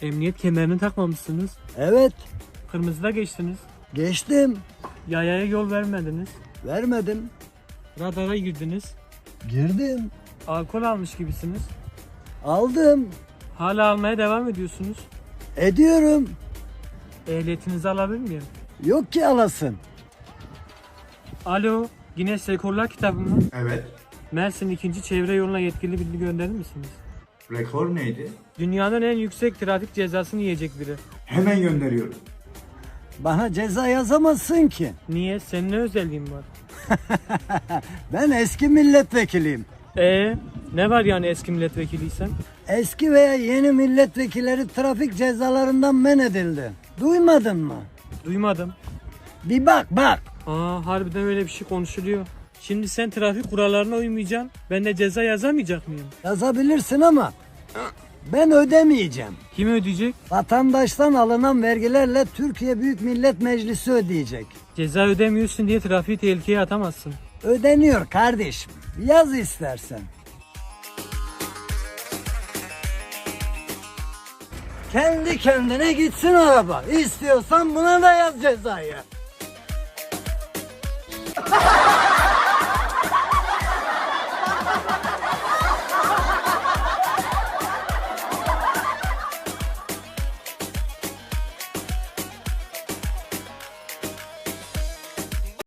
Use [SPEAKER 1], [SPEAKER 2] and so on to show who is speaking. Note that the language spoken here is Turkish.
[SPEAKER 1] Emniyet kemerini takmamışsınız.
[SPEAKER 2] Evet,
[SPEAKER 1] Kırmızıda geçtiniz.
[SPEAKER 2] geçtim.
[SPEAKER 1] Yayaya yol vermediniz.
[SPEAKER 2] Vermedim.
[SPEAKER 1] Radara girdiniz.
[SPEAKER 2] Girdim.
[SPEAKER 1] Alkol almış gibisiniz.
[SPEAKER 2] Aldım.
[SPEAKER 1] Hala almaya devam ediyorsunuz.
[SPEAKER 2] Ediyorum.
[SPEAKER 1] Ehliyetinizi alabilir miyim?
[SPEAKER 2] Yok ki alasın.
[SPEAKER 1] Alo, Guinness Rekorlar kitabı mı?
[SPEAKER 3] Evet.
[SPEAKER 1] Mersin 2. Çevre Yoluna yetkili bilgi gönderir misiniz?
[SPEAKER 3] Rekor neydi?
[SPEAKER 1] Dünyanın en yüksek trafik cezasını yiyecek biri.
[SPEAKER 3] Hemen gönderiyorum.
[SPEAKER 2] Bana ceza yazamazsın ki.
[SPEAKER 1] Niye? Senin ne özelliğin var?
[SPEAKER 2] Ben eski milletvekiliyim.
[SPEAKER 1] Ne var yani eski milletvekiliysen?
[SPEAKER 2] Eski veya yeni milletvekilleri trafik cezalarından men edildi. Duymadın mı?
[SPEAKER 1] Duymadım.
[SPEAKER 2] Bir bak.
[SPEAKER 1] Harbiden öyle bir şey konuşuluyor. Şimdi sen trafik kurallarına uymayacaksın. Ben de ceza yazamayacak mıyım?
[SPEAKER 2] Yazabilirsin ama ben ödemeyeceğim.
[SPEAKER 1] Kim ödeyecek?
[SPEAKER 2] Vatandaştan alınan vergilerle Türkiye Büyük Millet Meclisi ödeyecek.
[SPEAKER 1] Ceza ödemiyorsun diye trafiği tehlikeye atamazsın.
[SPEAKER 2] Ödeniyor kardeşim. Yaz istersen. Kendi kendine gitsin araba. İstiyorsan buna da yaz cezayı.